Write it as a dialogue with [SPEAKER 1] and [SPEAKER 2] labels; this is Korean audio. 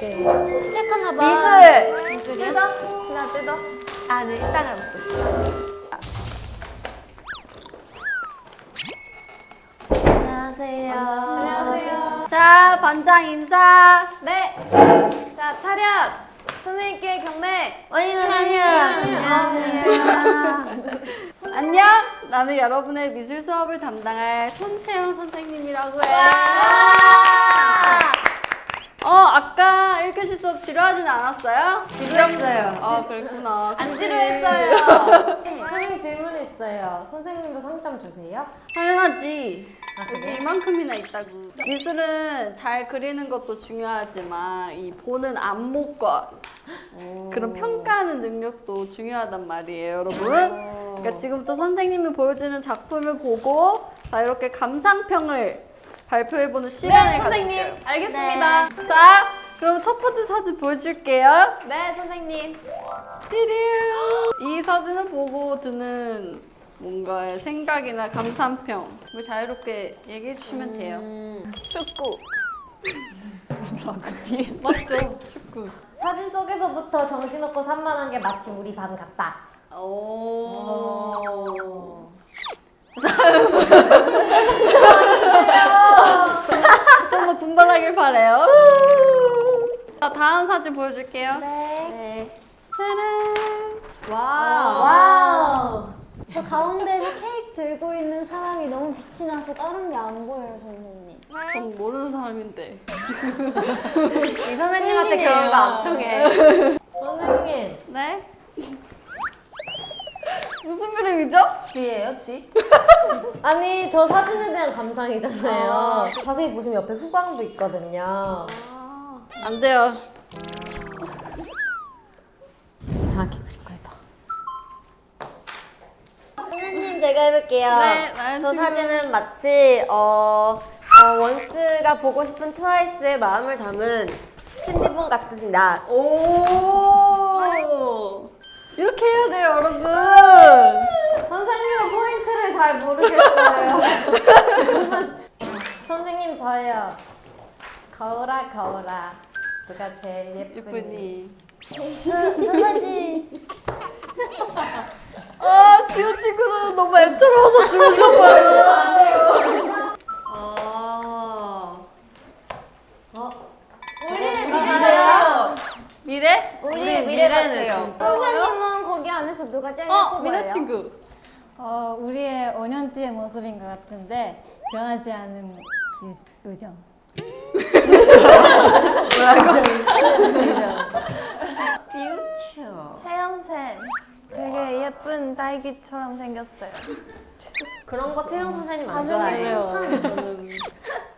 [SPEAKER 1] 오케이. 시작하나 봐.
[SPEAKER 2] 미술이요?
[SPEAKER 1] 뜯어? 신아 뜯어?
[SPEAKER 2] 아, 네, 이따가 먹고. 안녕하세요.
[SPEAKER 1] 안녕하세요.
[SPEAKER 2] 자, 반장 인사.
[SPEAKER 1] 네. 자, 차렷. 선생님께 경례.
[SPEAKER 2] 원희
[SPEAKER 1] 선생님.
[SPEAKER 2] 안녕하세요. 안녕. 나는 여러분의 미술 수업을 담당할 손채영 선생님이라고 해. 아까 1교시 수업 지루하진 않았어요?
[SPEAKER 1] 지루했어요.
[SPEAKER 2] 그랬구나.
[SPEAKER 1] 안
[SPEAKER 2] 그치.
[SPEAKER 1] 지루했어요.
[SPEAKER 3] 선생님 질문 있어요. 선생님도 상점 주세요?
[SPEAKER 2] 당연하지.
[SPEAKER 3] 아,
[SPEAKER 2] 여기
[SPEAKER 3] 그래요?
[SPEAKER 2] 이만큼이나 있다고. 미술은 잘 그리는 것도 중요하지만 이 보는 안목과 그런 평가하는 능력도 중요하단 말이에요, 여러분. 그러니까 지금부터 선생님이 보여주는 작품을 보고 자 이렇게 감상평을 발표해보는 시간을
[SPEAKER 1] 선생님.
[SPEAKER 2] 가질게요.
[SPEAKER 1] 알겠습니다.
[SPEAKER 2] 자, 그럼 첫 번째 사진 보여줄게요.
[SPEAKER 1] 네, 선생님.
[SPEAKER 2] 띠리르. 이 사진을 보고 드는 뭔가의 생각이나 감상평 뭐 자유롭게 얘기해 주시면 돼요.
[SPEAKER 1] 축구.
[SPEAKER 2] 맞죠? 축구.
[SPEAKER 3] 사진 속에서부터 정신없고 산만한 게 마치 우리 반 같다.
[SPEAKER 2] 오. 좀 더 분발하길 바래요. 자, 다음 사진 보여줄게요.
[SPEAKER 1] 네.
[SPEAKER 2] 짜란.
[SPEAKER 3] 와우.
[SPEAKER 4] 저 가운데서 케이크 들고 있는 사람이 너무 빛이 나서 다른 게 안 보여요, 선생님.
[SPEAKER 2] 전 모르는 사람인데.
[SPEAKER 1] 이 선생님한테 경우가 안 통해.
[SPEAKER 3] 선생님,
[SPEAKER 2] 네? 무슨 그림이죠?
[SPEAKER 1] 쥐예요, 쥐?
[SPEAKER 3] 아니 저 사진에 대한 감상이잖아요. 자세히 보시면 옆에 후광도 있거든요.
[SPEAKER 2] 안 돼요.
[SPEAKER 3] 이상하게 그린 거다. 선생님 제가 해볼게요.
[SPEAKER 2] 네, 나연
[SPEAKER 3] 저
[SPEAKER 2] 지금-
[SPEAKER 3] 사진은 마치 원스가 보고 싶은 트와이스의 마음을 담은 캔디본 같은 나.
[SPEAKER 2] 오! 이렇게 해야 돼요, 여러분.
[SPEAKER 3] 선생님은 포인트를 잘 모르겠어요. 조금만. 선생님 저예요. 거울아 거울아 누가 제일 예쁘니?
[SPEAKER 2] 예쁘니.
[SPEAKER 4] 저 사진.
[SPEAKER 2] 지호 친구는 너무 애처로워서 주무셔봐요.
[SPEAKER 3] 우리 미래요.
[SPEAKER 2] 미래?
[SPEAKER 1] 우리 미래 같아요.
[SPEAKER 4] 선생님은 거기 안에서 누가 제일
[SPEAKER 2] 미래
[SPEAKER 4] 예뻐요?
[SPEAKER 2] 친구.
[SPEAKER 5] 우리의 5년 뒤의 모습인 것 같은데 변하지 않는 우정.
[SPEAKER 2] 퓨처.
[SPEAKER 1] 채영쌤. 되게 예쁜 딸기처럼 생겼어요.
[SPEAKER 3] 그런 거 채영 선생님 안
[SPEAKER 2] 그래요. 저는